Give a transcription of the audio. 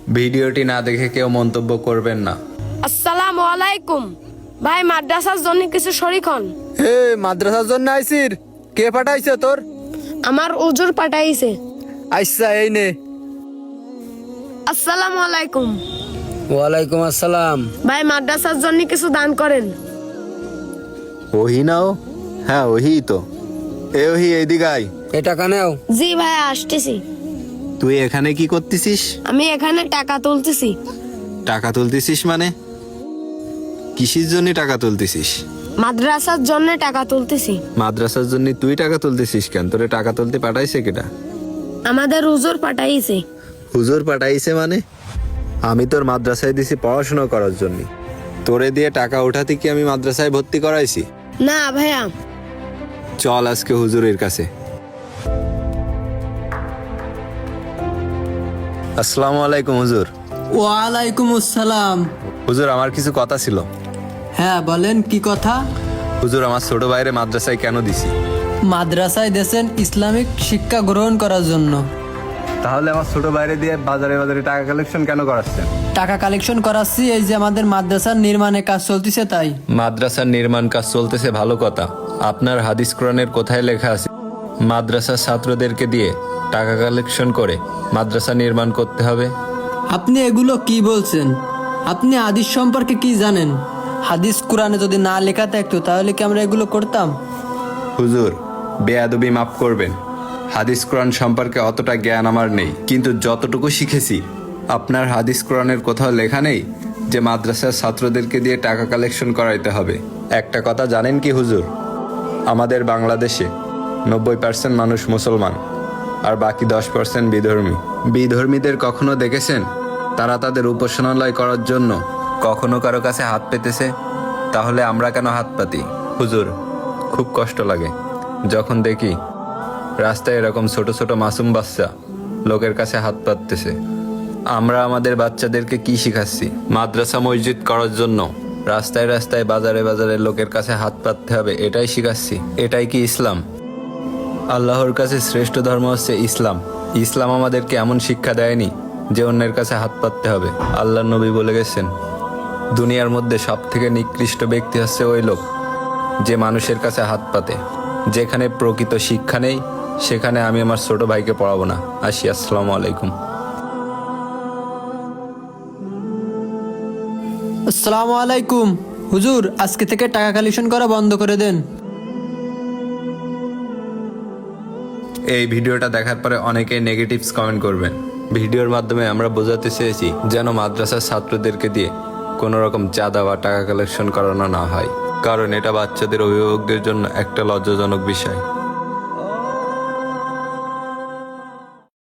ভিডিওটি না দেখে কেউ মন্তব্য করবেন না। আসসালামু আলাইকুম ভাই, মাদ্রাসার জন্য কিছু শরীক হন। হে মাদ্রাসার জন্য আইছির? কে পাঠাইছে তোর? আমার হুজুর পাঠাইছে। আচ্ছা এই নে। আসসালামু আলাইকুম ওয়ালাইকুম আসসালাম। ভাই, মাদ্রাসার জন্য কিছু দান করেন। ওহি নাও? হ্যাঁ ওহি তো। এ ওহি এইদিকে আয়। এ টাকা নেও। জি ভাই, আসতেছি। তুই এখানে কি করতেছিস? আমি এখানে টাকা তুলতেছি। টাকা তুলতেছিস মানে? কিসের জন্য টাকা তুলতেছিস? মাদ্রাসার জন্য টাকা তুলতেছি। মাদ্রাসার জন্য তুই টাকা তুলতেছিস কেন? তোরে টাকা তুলতে পাঠাইছে কেটা? আমাদের হুজুর পাঠাইছে। হুজুর পাঠাইছে মানে? আমি তোর মাদ্রাসায় দিছি পড়াশোনা করার জন্য। তোরে দিয়ে টাকা উঠাতে কি আমি মাদ্রাসায় ভর্তি করাইছি? না ভাইয়া। চল আজকে হুজুরের কাছে। আসসালামু আলাইকুম হুজুর। ওয়ালাইকুম আসসালাম। হুজুর আমার কিছু কথা ছিল। হ্যাঁ বলেন, কি কথা? হুজুর আমার ছোট ভাইরে মাদ্রাসায় কেন দিছি? মাদ্রাসায় দেশেন ইসলামিক শিক্ষা গ্রহণ করার জন্য। তাহলে আমার ছোট ভাইরে দিয়ে বাজারে বাজারে টাকা কালেকশন কেন করাচ্ছেন? টাকা কালেকশন করাচ্ছি, এই যে আমাদের মাদ্রাসার নির্মাণের কাজ চলতেছে তাই। মাদ্রাসার নির্মাণ কাজ চলতেছে ভালো কথা। আপনার হাদিস কোরআনের কোথায় লেখা আছে মাদ্রাসার ছাত্রদেরকে দিয়ে টাকা কালেকশন করে মাদ্রাসা নির্মাণ করতে হবে? আপনি এগুলো কি বলছেন? আপনি হাদিস সম্পর্কে কি জানেন? হাদিস কোরআনে যদি না লেখা থাকতো তাহলে কি আমরা এগুলো করতাম? হুজুর বেয়াদবি মাফ করবেন। হাদিস কোরআন সম্পর্কে অতটা জ্ঞান আমার নেই, কিন্তু যতটুকু শিখেছি আপনার হাদিস কোরআনের কোথাও লেখা নেই যে মাদ্রাসার ছাত্রদেরকে দিয়ে টাকা কালেকশন করাইতে হবে। একটা কথা জানেন কি হুজুর? আমাদের বাংলাদেশে 90% মানুষ মুসলমান আর বাকি 10% বিধর্মী। বিধর্মীদের কখনো দেখেছেন তারা তাদের উপাসনালয় করার জন্য কখনো কারো কাছে হাত পেতেছে? তাহলে আমরা কেন হাত পাতি? হুজুর খুব কষ্ট লাগে যখন দেখি রাস্তায় এরকম ছোট ছোট মাসুম বাচ্চা লোকের কাছে হাত পাততেছে। আমরা আমাদের বাচ্চাদেরকে কি শিখাচ্ছি? মাদ্রাসা মসজিদ করার জন্য রাস্তায় রাস্তায় বাজারে বাজারে লোকের কাছে হাত পাততে হবে, এটাই শিখাচ্ছি? এটাই কি ইসলাম? আল্লাহর কাছে শ্রেষ্ঠ ধর্ম হচ্ছে ইসলাম। ইসলাম আমাদেরকে এমন শিক্ষা দেয়নি যে অন্যের কাছে হাত পাততে হবে। আল্লাহর নবী বলে গেছেন দুনিয়ার মধ্যে সব থেকে নিকৃষ্ট ব্যক্তি হচ্ছে ওই লোক যে মানুষের কাছে হাত পাতে। যেখানে প্রকৃত শিক্ষা নেই সেখানে আমি আমার ছোট ভাইকে পড়াবো না। আসি, আসসালামু আলাইকুম। আসসালামু আলাইকুম। হুজুর আজকে থেকে টাকা কালেকশন করা বন্ধ করে দেন। এই ভিডিওটা দেখার পরে অনেকেই নেগেটিভস কমেন্ট করবেন। ভিডিওর মাধ্যমে আমরা বোঝাতে চেয়েছি যেন মাদ্রাসার ছাত্রদেরকে দিয়ে কোনো রকম চাঁদা বা টাকা কালেকশন করানো না হয়, কারণ এটা বাচ্চাদের অভিভাবকদের জন্য একটা লজ্জাজনক বিষয়।